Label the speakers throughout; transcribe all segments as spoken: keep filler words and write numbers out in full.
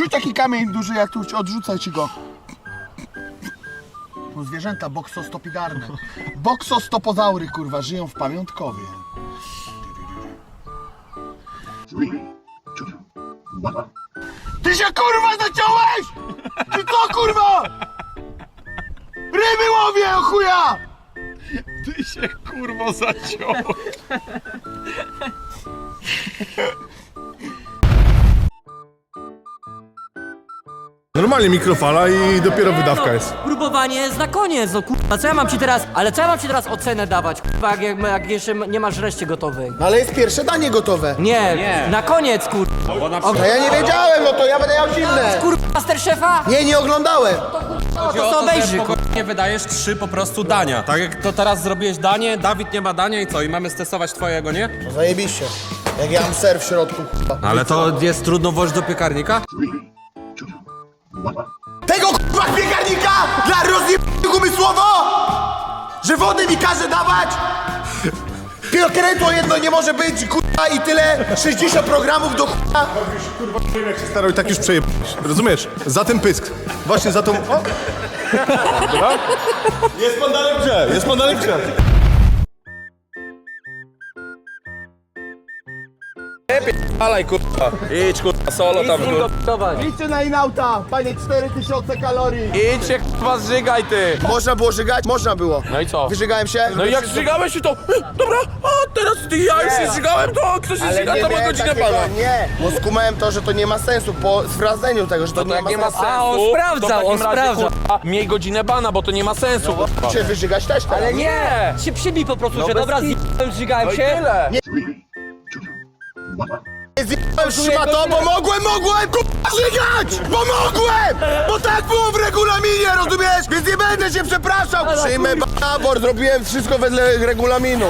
Speaker 1: Rzuć taki kamień duży, jak tu odrzucaj ci go. No zwierzęta boksostopidarne. Boksostopozaury, kurwa, żyją w pamiątkowie. Ty się kurwa zaciąłeś! Ty co kurwa? Ryby łowię, o chuja!
Speaker 2: Ty się kurwo zaciąłeś.
Speaker 3: Normalnie mikrofala i dopiero wydawka jest.
Speaker 4: Próbowanie jest na koniec, no kurwa, co ja mam ci teraz, ale co ja mam ci teraz ocenę dawać, kurwa, jak, jak, jak jeszcze nie masz reszty gotowej?
Speaker 1: No ale jest pierwsze danie gotowe.
Speaker 4: Nie, nie. Na koniec, kurwa.
Speaker 1: No ja nie wiedziałem, no to ja będę miał zimne.
Speaker 4: Kurwa, Masterchefa?
Speaker 1: Nie, nie oglądałem.
Speaker 4: No to co obejrzy, kurwa.
Speaker 5: Nie wydajesz trzy po prostu dania. Tak jak to teraz zrobiłeś danie, Dawid nie ma dania i co? I mamy stestować twojego, nie?
Speaker 1: No zajebiście. Jak ja mam ser w środku, kurwa.
Speaker 5: Ale to jest trudno włożyć do piekarnika?
Speaker 1: Tego kurwa piekarnika dla rozjebanych umysłowo! Że wody mi każe dawać! Piokrętło jedno nie może być, kurwa, i tyle, sześćdziesiąt programów do kurwa.
Speaker 3: Kurwa, nie wiem jak się starał i tak już przejebałeś. Rozumiesz? Za ten pysk. Właśnie za tą... O! Dobra? Jest pan dalej w grze, jest pan dalej w grze.
Speaker 5: Alaj kurwa. Idź kurwa, solo tam kurwa.
Speaker 1: Idźcie na inauta, panie, cztery tysiące kalorii.
Speaker 5: Idź się kurwa zżygaj ty.
Speaker 1: Można było żygać? Można było.
Speaker 5: No i co?
Speaker 1: Wyżygałem się?
Speaker 5: No i jak zżygałeś się to... Dobra, a teraz ty ja już się zżygałem, to kto się zżyga, to ma
Speaker 1: miałem
Speaker 5: godzinę
Speaker 1: takiego-
Speaker 5: pana.
Speaker 1: Nie, bo skumałem to, że to nie ma sensu po sprawdzeniu tego, że to,
Speaker 5: To
Speaker 1: nie,
Speaker 5: jak
Speaker 1: ma
Speaker 5: nie ma
Speaker 1: sensu.
Speaker 5: sensu,
Speaker 4: A, on
Speaker 5: to w
Speaker 4: sprawdzał,
Speaker 5: takim
Speaker 4: on
Speaker 5: razie,
Speaker 4: sprawdzał.
Speaker 5: kurwa, miej godzinę bana, bo to nie ma sensu. kurwa.
Speaker 1: Się wyżygać też teraz.
Speaker 4: Ale nie! Się przybij po prostu, że
Speaker 5: bez
Speaker 4: dobra,
Speaker 5: kitu.
Speaker 4: zjebałem, żygałem
Speaker 5: No i
Speaker 4: się.
Speaker 5: tyle.
Speaker 1: Nie zjebałem szmato, bo mogłem, mogłem kurwa żygać! Bo mogłem! Bo tak było w regulaminie, rozumiesz? Więc nie będę się przepraszał! Przyjmę babor, zrobiłem wszystko wedle regulaminu.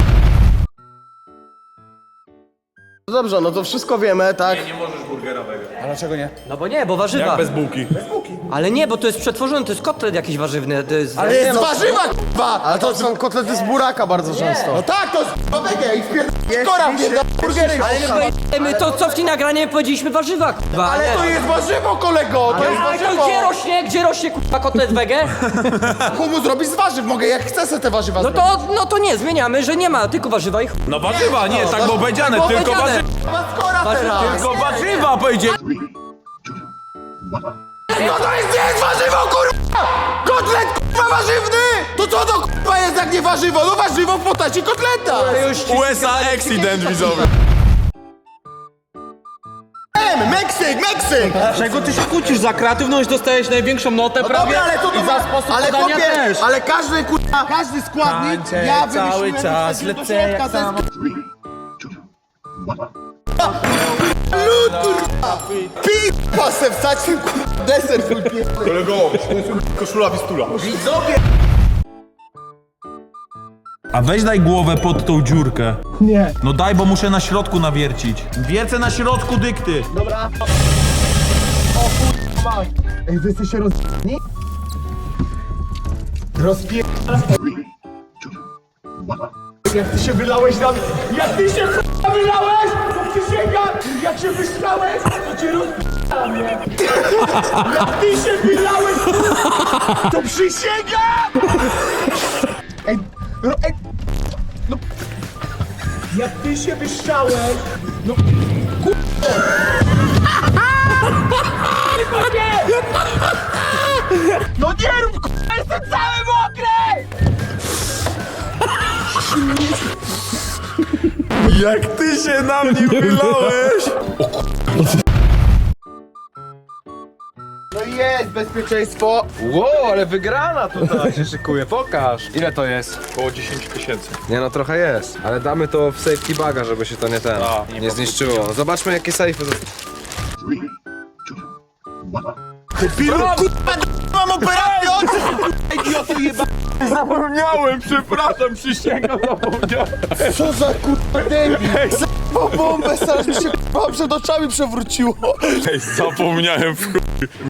Speaker 1: No dobrze, no to wszystko wiemy, tak? Nie, nie możesz burgerowego. A dlaczego nie?
Speaker 4: No bo nie, bo warzywa.
Speaker 2: Bez bułki.
Speaker 4: Ale nie, bo to jest przetworzone, to jest kotlet jakiś warzywny, to jest...
Speaker 1: Ale jest warzywa, kurwa! Ale to są kotlety z buraka bardzo często. No tak, to jest wege i wpierdolę kora, wpierdolę burgery.
Speaker 4: Ale my, powie- my to co w tej nagranie powiedzieliśmy warzywa, kurwa.
Speaker 1: Ale
Speaker 4: nie.
Speaker 1: to jest warzywo, kolego! To jest
Speaker 4: Ale to
Speaker 1: warzywo!
Speaker 4: gdzie rośnie, gdzie rośnie kurwa kotlet wege?
Speaker 1: Humus zrobić z warzyw, mogę jak chcę sobie te warzywa
Speaker 4: No
Speaker 1: zrobić.
Speaker 4: to, no to nie, zmieniamy, że nie ma, tylko warzywa i chuj.
Speaker 2: No warzywa, nie, tak było powiedziane,
Speaker 4: było
Speaker 2: tylko
Speaker 4: powiedziane.
Speaker 2: warzywa.
Speaker 1: Ma skora teraz!
Speaker 2: Tylko warzywa powiedzieli.
Speaker 1: No to jest, nie jest warzywo, kurwa! Kotlet, kurwa, warzywny! To co to, kurwa, jest jak nie warzywo? No warzywo w postaci kotleta!
Speaker 2: U S A accident widzowy.
Speaker 1: Em, Meksyk, Meksyk!
Speaker 5: Dlaczego ty się kłócisz za kreatywność? Dostajesz największą notę
Speaker 1: No
Speaker 5: prawie
Speaker 1: dobra, ale to to
Speaker 5: i za sposób
Speaker 1: ale
Speaker 5: podania
Speaker 1: chłopie,
Speaker 5: też.
Speaker 1: ale każdy, kurwa, każdy składnik ja wymyśliłem
Speaker 5: czas,
Speaker 1: wsadziłem do
Speaker 5: lecę
Speaker 1: środka,
Speaker 5: jak
Speaker 1: to jest-
Speaker 5: samo.
Speaker 1: Lud, kurwa! Pipa se wstać ten, kurwa, deser, kurwa.
Speaker 3: Kolego, koszula Wistula.
Speaker 2: A weź daj głowę pod tą dziurkę. Nie. No daj, bo muszę na środku nawiercić. Wiercę na środku dykty.
Speaker 1: Ej, wy jesteście roz***ni? Rozpie... Jak ty się wylałeś na mnie, jak ty się k***a wylałeś, to przysięgam, jak się wyszlałeś, to cię rozp***a mnie. Jak ty się wylałeś, to przysięgam! Ej, ro, ej, no, jak ty się wyszczałeś, no, no nie rób, k***a, jestem cały mokry!
Speaker 2: Jak ty się na mnie wylałeś?
Speaker 1: No jest bezpieczeństwo.
Speaker 5: Wow, ale wygrana tutaj się szykuje, pokaż. Ile to jest?
Speaker 2: Około dziesięć tysięcy.
Speaker 5: Nie no, trochę jest. Ale damy to w safety baga, żeby się to nie ten,
Speaker 2: A,
Speaker 5: nie,
Speaker 2: nie
Speaker 5: zniszczyło. Zobaczmy jakie safe'y.
Speaker 1: Pilu, kurwa, mam operację oczy, kurwa, idioto jeba.
Speaker 2: Zapomniałem, przepraszam, przysięgam, zapomniałem.
Speaker 1: Co za kurwa debil. Za bombę, zaraz mi się kurwa przed oczami przewróciło.
Speaker 2: Ej, zapomniałem w chuj.